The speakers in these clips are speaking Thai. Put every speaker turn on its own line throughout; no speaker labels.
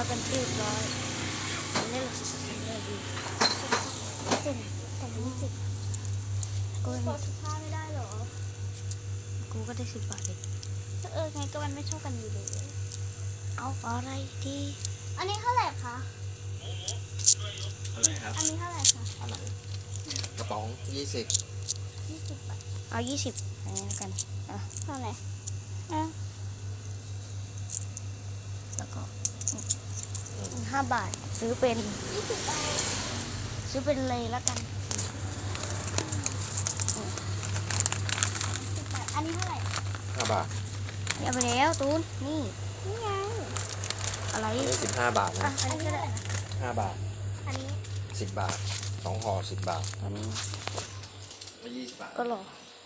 กันเรียบร้อยนี่แหละเลยดีเส้นแต่20กู
ขอ15ไม่ได้เหรอ
กูก็ได้10 บาทเอง
ไงก็มันไม่เท่ากันอยู่เลย
เอาอะไรดี
อันนี้เท่าไหร่คะ
อะไรครับ
อันนี้เท่าไหร่คะ
อันไหนกระป๋อง20
20 บาท
เอา20อันนี้แล้วกันอ่ะ
เท่าไหร่
แล้วก็5 บาทซื้อเป็น
20 บาท
ซื้อเป็นเลยแล้วกัน
10 บาท อันนี้เท่าไหร่
5 บาท
นี่เอาไปแล้วตูนนี่
นี่ไง
อะไร
อันนี้15 บาท
อ่ะ
นะ
อันนี้ก็ได้
5 บาท
อันนี้
10 บาท2ห่อ10 บาท
ตอนนี้
ไม่20 บาท
ก็รอ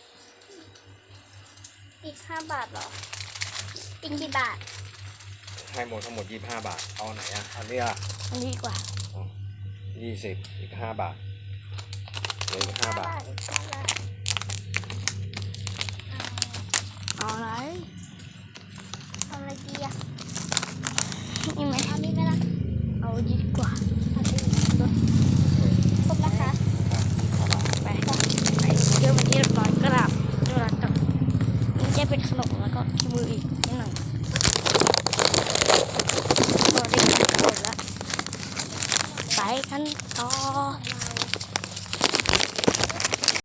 อีก5 บาทเหรอ อีกกี่บาท
ให้หมดทั้งหมด25 บาทเอาไหนอ่ะอันนี้อ่ะ
อันนี้ดีกว่า
20อีก5 บาทเหลืออีก5 บาท
อีก5 บาท